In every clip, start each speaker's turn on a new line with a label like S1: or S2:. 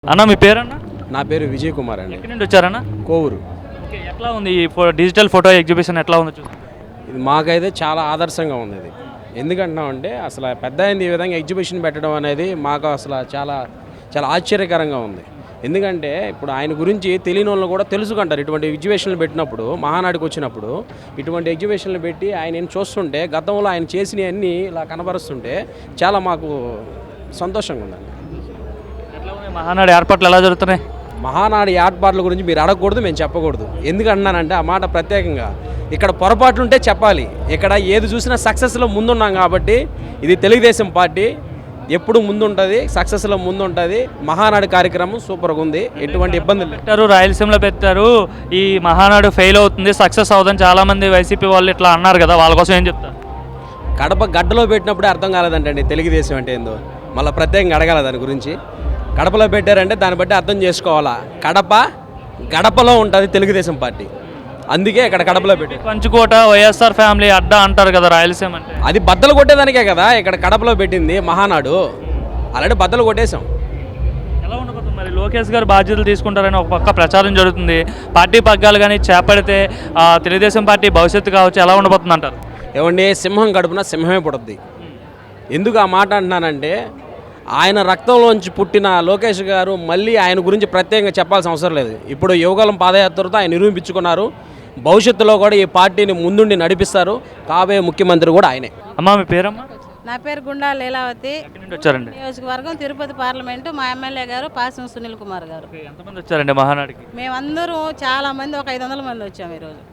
S1: అన్న మీ పేరన్నా?
S2: నా పేరు విజయ్ కుమార్ అండి.
S1: ఎక్కడి నుండి వచ్చారన్న?
S2: కోవూరు.
S1: ఓకే, ఎట్లా ఉంది ఈ డిజిటల్ ఫోటో ఎగ్జిబిషన్ ఎట్లా ఉంది చూసి?
S2: ఇది మాకైతే చాలా ఆదర్శంగా ఉంది. ఇది ఎందుకంటున్నామంటే అసలు పెద్ద అయింది ఈ విధంగా ఎగ్జిబిషన్ పెట్టడం అనేది మాకు అసలు చాలా చాలా ఆశ్చర్యకరంగా ఉంది. ఎందుకంటే ఇప్పుడు ఆయన గురించి తెలియని వాళ్ళు కూడా తెలుసుకుంటారు. ఇటువంటి ఎగ్జిబిషన్లు పెట్టినప్పుడు, మహానాడికి వచ్చినప్పుడు ఇటువంటి ఎగ్జిబిషన్లు పెట్టి ఆయన చూస్తుంటే గతంలో ఆయన చేసినవన్నీ ఇలా కనబరుస్తుంటే చాలా మాకు సంతోషంగా ఉందండి.
S1: ఎట్లా ఉంది మహానాడు ఏర్పాట్లు ఎలా జరుగుతున్నాయి?
S2: మహానాడు ఏర్పాట్ల గురించి మీరు అడగకూడదు, మేము చెప్పకూడదు. ఎందుకంటున్నానంటే ఆ మాట ప్రత్యేకంగా ఇక్కడ పొరపాట్లు ఉంటే చెప్పాలి. ఇక్కడ ఏది చూసినా సక్సెస్లో ముందున్నాం కాబట్టి ఇది తెలుగుదేశం పార్టీ ఎప్పుడు ముందుంటుంది, సక్సెస్లో ముందుంటుంది. మహానాడు కార్యక్రమం సూపర్గా ఉంది, ఎటువంటి ఇబ్బందులు
S1: పెట్టారు. రాయలసీమలో పెట్టారు. ఈ మహానాడు ఫెయిల్ అవుతుంది, సక్సెస్ అవుతుంది చాలామంది వైసీపీ వాళ్ళు ఇట్లా అన్నారు కదా, వాళ్ళ కోసం ఏం చెప్తారు?
S2: కడప గడ్డలో పెట్టినప్పుడే అర్థం కాలేదంటండి తెలుగుదేశం అంటే ఏందో. మళ్ళీ ప్రత్యేకంగా అడగాల దాని గురించి. కడపలో పెట్టారంటే దాన్ని బట్టి అర్థం చేసుకోవాలా. కడప గడపలో ఉంటుంది తెలుగుదేశం పార్టీ, అందుకే ఇక్కడ కడపలో పెట్టి.
S1: పంచుకోట వైఎస్ఆర్ ఫ్యామిలీ అడ్డా అంటారు కదా రాయలసీమ అంటే.
S2: అది బద్దలు కొట్టేదానికే కదా ఇక్కడ కడపలో పెట్టింది మహానాడు. అలాంటి బద్దలు కొట్టేశాం.
S1: ఎలా ఉండబోతుంది మరి? లోకేష్ గారు బాధ్యతలు తీసుకుంటారని ఒక పక్క ప్రచారం జరుగుతుంది. పార్టీ పగ్గాలు కానీ చేపడితే తెలుగుదేశం పార్టీ భవిష్యత్తు కావచ్చు, ఎలా ఉండబోతుంది అంటారు?
S2: ఏమండి, సింహం గడుపున సింహమే పుడుద్ది. ఎందుకు ఆ మాట అంటున్నానంటే ఆయన రక్తంలోంచి పుట్టిన లోకేష్ గారు మళ్ళీ ఆయన గురించి ప్రత్యేకంగా చెప్పాల్సిన అవసరం లేదు. ఇప్పుడు యువగలం పాదయాత్రతో ఆయన నిరూపించుకున్నారు. భవిష్యత్తులో కూడా ఈ పార్టీని ముందుండి నడిపిస్తారు. కాబోయే ముఖ్యమంత్రి కూడా ఆయనే.
S1: అమ్మా మీ పేరమ్మా?
S3: నా పేరు గుండా లీలావతి.
S1: ఎక్కడి నుండి వచ్చారండి?
S3: నియోజకవర్గం తిరుపతి పార్లమెంటు. మా ఎమ్మెల్యే గారు పాసం సునీల్ కుమార్ గారు.
S1: ఎంతమంది వచ్చారండి మహానాడికి?
S3: మేమందరూ చాలా మంది, ఒక 500 మంది వచ్చాము ఈరోజు.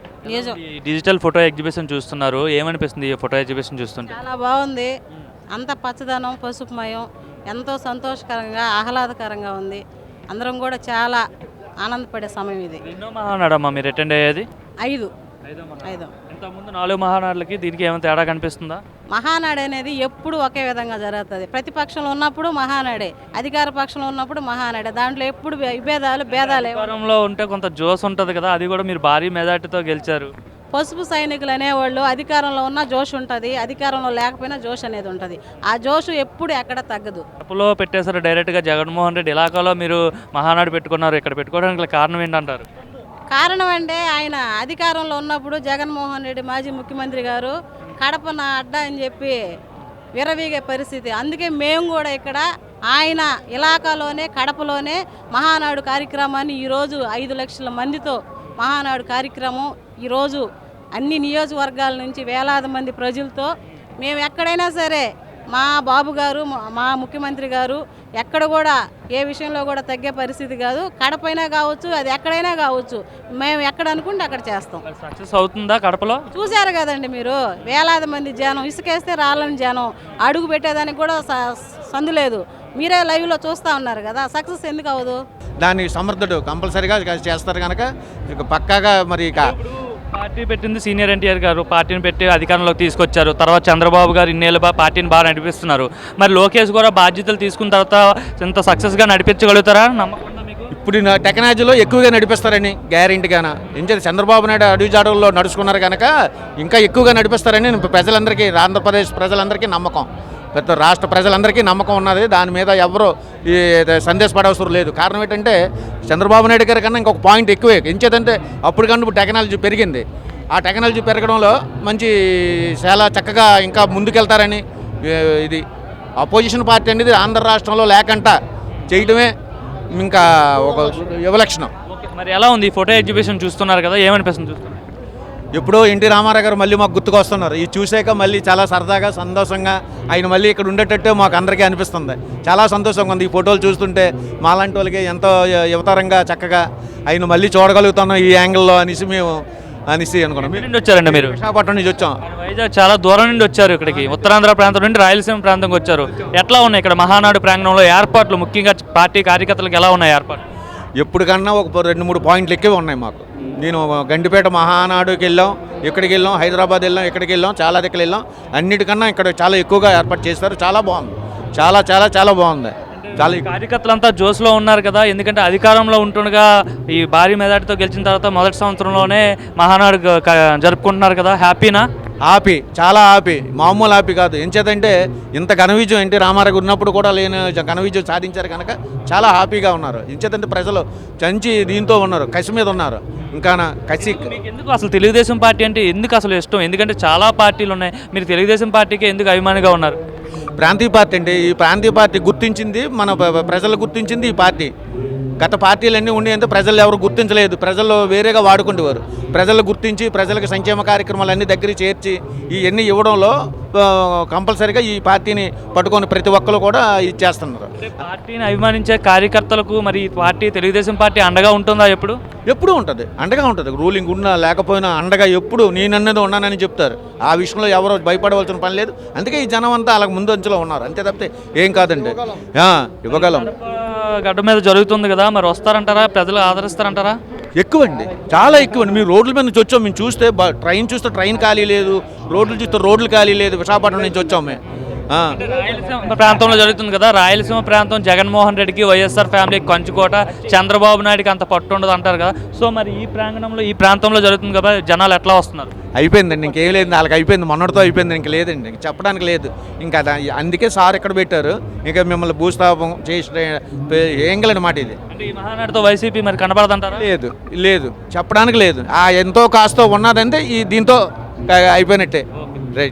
S1: ఈ డిజిటల్ ఫోటో ఎగ్జిబిషన్ చూస్తున్నారు, ఏమనిపిస్తుంది ఈ ఫోటో ఎగ్జిబిషన్ చూస్తుంటే?
S3: చాలా బాగుంది. అంత పచ్చదనం, పసుపుమయం, ఎంతో సంతోషకరంగా, ఆహ్లాదకరంగా ఉంది. అందరం కూడా చాలా ఆనందపడే సమయం ఇది.
S1: ఎన్నో మహానాడమ్మా మీరు అటెండ్ అయ్యేది?
S3: 5.
S1: ఇంతకుముందు 4 మహానాడులకి దీనికి ఏమైనా తేడా కనిపిస్తుందా?
S3: మహానాడు అనేది ఎప్పుడు ఒకే విధంగా జరుగుతుంది. ప్రతిపక్షంలో ఉన్నప్పుడు మహానాడే, అధికార పక్షంలో ఉన్నప్పుడు మహానాడే. దాంట్లో ఎప్పుడు భేదాలే.
S1: అధికారంలో ఉంటే కొంత జోస్ ఉంటుంది కదా, అది కూడా మీరు భారీ మెజార్టీతో గెలిచారు.
S3: పసుపు సైనికులు అనేవాళ్ళు అధికారంలో ఉన్న జోష్ ఉంటుంది, అధికారంలో లేకపోయినా జోష్ అనేది ఉంటుంది. ఆ జోష్ ఎప్పుడు ఎక్కడ తగ్గదు.
S1: కడపలో పెట్టేశారు డైరెక్ట్గా జగన్మోహన్ రెడ్డి. ఇలాకాలో మీరు మహానాడు పెట్టుకున్నారు, ఇక్కడ పెట్టుకోవడానికి కారణం ఏంటంటారు?
S3: కారణం అంటే ఆయన అధికారంలో ఉన్నప్పుడు జగన్మోహన్ రెడ్డి మాజీ ముఖ్యమంత్రి గారు కడప నా అడ్డా అని చెప్పి విరవీగే పరిస్థితి. అందుకే మేము కూడా ఇక్కడ ఆయన ఇలాకాలోనే కడపలోనే మహానాడు కార్యక్రమాన్ని ఈరోజు 5 లక్షల మందితో మహానాడు కార్యక్రమం ఈరోజు అన్ని నియోజకవర్గాల నుంచి వేలాది మంది ప్రజలతో మేము ఎక్కడైనా సరే మా బాబు గారు, మా ముఖ్యమంత్రి గారు ఎక్కడ కూడా ఏ విషయంలో కూడా తగ్గే పరిస్థితి కాదు. కడపైనా కావచ్చు, అది ఎక్కడైనా కావచ్చు, మేము ఎక్కడ అనుకుంటే అక్కడ చేస్తాం.
S1: సక్సెస్ అవుతుందా కడపలో?
S3: చూశారు కదండి మీరు, వేలాది మంది జనం, ఇసుకేస్తే రాళ్ళని జనం, అడుగు పెట్టేదానికి కూడా సందు లేదు. మీరే లైవ్లో చూస్తూ ఉన్నారు కదా, సక్సెస్ ఎందుకు అవ్వదు?
S4: దాన్ని సమర్థుడు కంపల్సరీగా చేస్తారు కనుక ఇక పక్కాగా. మరి ఇక
S1: పార్టీ పెట్టింది సీనియర్ ఎన్టీఆర్ గారు, పార్టీని పెట్టి అధికారంలోకి తీసుకొచ్చారు. తర్వాత చంద్రబాబు గారు ఇన్నేళ్ళు పార్టీని బాగా నడిపిస్తున్నారు. మరి లోకేష్ కూడా బాధ్యతలు తీసుకున్న తర్వాత ఇంత సక్సెస్గా నడిపించగలుగుతారా? నమ్మకం మీకు?
S4: ఇప్పుడు టెక్నాలజీలో ఎక్కువగా నడిపిస్తారని గ్యారెంటీగానా. ఎందుకంటే చంద్రబాబు నాయుడు అడుగుజాడల్లో నడుచుకున్నారు కనుక ఇంకా ఎక్కువగా నడిపిస్తారని ప్రజలందరికీ, ఆంధ్రప్రదేశ్ ప్రజలందరికీ నమ్మకం, పెద్ద రాష్ట్ర ప్రజలందరికీ నమ్మకం ఉన్నది. దాని మీద ఎవరు ఈ సందేశపడవసరం లేదు. కారణం ఏంటంటే చంద్రబాబు నాయుడు గారి కన్నా ఇంకొక పాయింట్ ఎక్కువే. ఎంచేదంటే అప్పటికన్నా టెక్నాలజీ పెరిగింది. ఆ టెక్నాలజీ పెరగడంలో మంచి చాలా చక్కగా ఇంకా ముందుకెళ్తారని. ఇది అపోజిషన్ పార్టీ అనేది ఆంధ్ర రాష్ట్రంలో లేకుండా చేయడమే ఇంకా ఒక యువలక్షణం.
S1: మరి ఎలా ఉంది ఫోటో ఎగ్జిబిషన్ చూస్తున్నారు కదా, ఏమనిపిస్తుంది చూస్తున్నారు?
S4: ఎప్పుడో ఎన్టీ రామారావు గారు మళ్ళీ మాకు గుర్తుకొస్తున్నారు. ఇది చూసాక మళ్ళీ చాలా సరదాగా, సంతోషంగా ఆయన మళ్ళీ ఇక్కడ ఉండేటట్టు మాకు అందరికీ అనిపిస్తుంది. చాలా సంతోషంగా ఉంది ఈ ఫోటోలు చూస్తుంటే. మాలాంటి వాళ్ళకి ఎంతో యువతరంగా చక్కగా ఆయన మళ్ళీ చూడగలుగుతున్నాం ఈ యాంగిల్లో అనేసి మేము అనుకున్నాం.
S1: నుండి వచ్చారండి మీరు?
S4: విశాఖపట్నం నుంచి వచ్చాం.
S1: వైజాగ్ చాలా దూరం నుండి వచ్చారు ఇక్కడికి, ఉత్తరాంధ్ర ప్రాంతం నుండి రాయలసీమ ప్రాంతంకి వచ్చారు. ఎట్లా ఉన్నాయి ఇక్కడ మహానాడు ప్రాంగణంలో ఏర్పాట్లు, ముఖ్యంగా పార్టీ కార్యకర్తలకు ఎలా ఉన్నాయి ఏర్పాట్లు?
S4: ఎప్పటికన్నా ఒక 2-3 పాయింట్లు ఎక్కువే ఉన్నాయి మాకు. నేను గండిపేట మహానాడుకి వెళ్ళాం, ఇక్కడికి వెళ్ళాం, హైదరాబాద్ వెళ్ళాం, ఇక్కడికి వెళ్ళాం, చాలా దగ్గర వెళ్ళాం. అన్నిటికన్నా ఇక్కడ చాలా ఎక్కువగా ఏర్పాటు చేస్తారు. చాలా బాగుంది, చాలా చాలా చాలా బాగుంది. చాలా
S1: కార్యకర్తలంతా జోస్లో ఉన్నారు కదా, ఎందుకంటే అధికారంలో ఉంటుండగా ఈ భారీ మెజార్టీతో గెలిచిన తర్వాత మొదటి సంవత్సరంలోనే మహానాడు జరుపుకుంటున్నారు కదా, హ్యాపీనా?
S4: హ్యాపీ, చాలా హ్యాపీ, మామూలు హ్యాపీ కాదు. ఎంచేతంటే ఇంత ఘన విజయం ఎన్టీ రామారావు ఉన్నప్పుడు కూడా లేని ఘన విజయం సాధించారు కనుక చాలా హ్యాపీగా ఉన్నారు. ఎంచేతంటే ప్రజలు చంచి దీంతో ఉన్నారు, కసి మీద ఉన్నారు. ఇంకా కసి.
S1: మీకు ఎందుకు అసలు తెలుగుదేశం పార్టీ అంటే ఎందుకు అసలు ఇష్టం? ఎందుకంటే చాలా పార్టీలు ఉన్నాయి, మీరు తెలుగుదేశం పార్టీకి ఎందుకు అభిమానిగా ఉన్నారు?
S4: ప్రాంతీయ పార్టీ అంటే ఈ ప్రాంతీయ పార్టీ గుర్తించింది, మన ప్రజలు గుర్తించింది ఈ పార్టీ. గత పార్టీలన్నీ ఉండి అంటే ప్రజలు ఎవరు గుర్తించలేదు, ప్రజలు వేరేగా వాడుకుంటేవారు. ప్రజలు గుర్తించి ప్రజలకు సంక్షేమ కార్యక్రమాలన్నీ దగ్గర చేర్చి ఇవన్నీ ఇవ్వడంలో కంపల్సరీగా ఈ పార్టీని పట్టుకొని ప్రతి ఒక్కరు కూడా ఇచ్చేస్తున్నారు.
S1: అంటే పార్టీని అభిమానించే కార్యకర్తలకు మరి ఈ పార్టీ తెలుగుదేశం పార్టీ అండగా ఉంటుందా?
S4: ఎప్పుడూ ఉంటుంది, అండగా ఉంటుంది. రూలింగ్ ఉన్నా లేకపోయినా అండగా ఎప్పుడు నేనన్నది ఉన్నానని చెప్తారు. ఆ విషయంలో ఎవరో భయపడవలసిన పని లేదు. అందుకే ఈ జనం అంతా అలాగ ముందు అంచులో ఉన్నారు, అంతే తప్పితే ఏం కాదండి. ఇవ్వగలం.
S1: గడ్డ మీద జరుగుతుంది కదా, మరి వస్తారంటారా? ప్రజలు ఆదరిస్తారంటారా?
S4: ఎక్కువండి, చాలా ఎక్కువండి. మీరు రోడ్ల మీద నుంచి వచ్చాం, మేము చూస్తే ట్రైన్ చూస్తే ట్రైన్ ఖాళీ లేదు, రోడ్లు చూస్తే రోడ్లు ఖాళీ లేదు. విశాఖపట్నం నుంచి వచ్చాం మేము.
S1: రాయలసీమ ప్రాంతంలో జరుగుతుంది కదా, రాయలసీమ ప్రాంతం జగన్మోహన్ రెడ్డికి, వైఎస్ఆర్ ఫ్యామిలీకి కంచుకోట, చంద్రబాబు నాయుడికి అంత పట్టు ఉండదు అంటారు కదా. సో మరి ఈ ప్రాంగణంలో ఈ ప్రాంతంలో జరుగుతుంది కదా, జనాలు ఎట్లా వస్తున్నారు?
S4: అయిపోయిందండి, ఇంకేం లేదు, వాళ్ళకి అయిపోయింది, మొన్నటితో అయిపోయింది, ఇంక లేదండి, ఇంక చెప్పడానికి లేదు. ఇంకా అందుకే సార్ ఎక్కడ పెట్టారు, ఇంకా మిమ్మల్ని భూస్థాపం చేసి ఏం గలని మాట ఇది.
S1: అంటే ఈ మహానాడుతో వైసీపీ మరి కనబడదంటారా?
S4: లేదు లేదు, చెప్పడానికి లేదు. ఎంతో కాస్తో ఉన్నదంటే ఈ దీంతో అయిపోయినట్టే.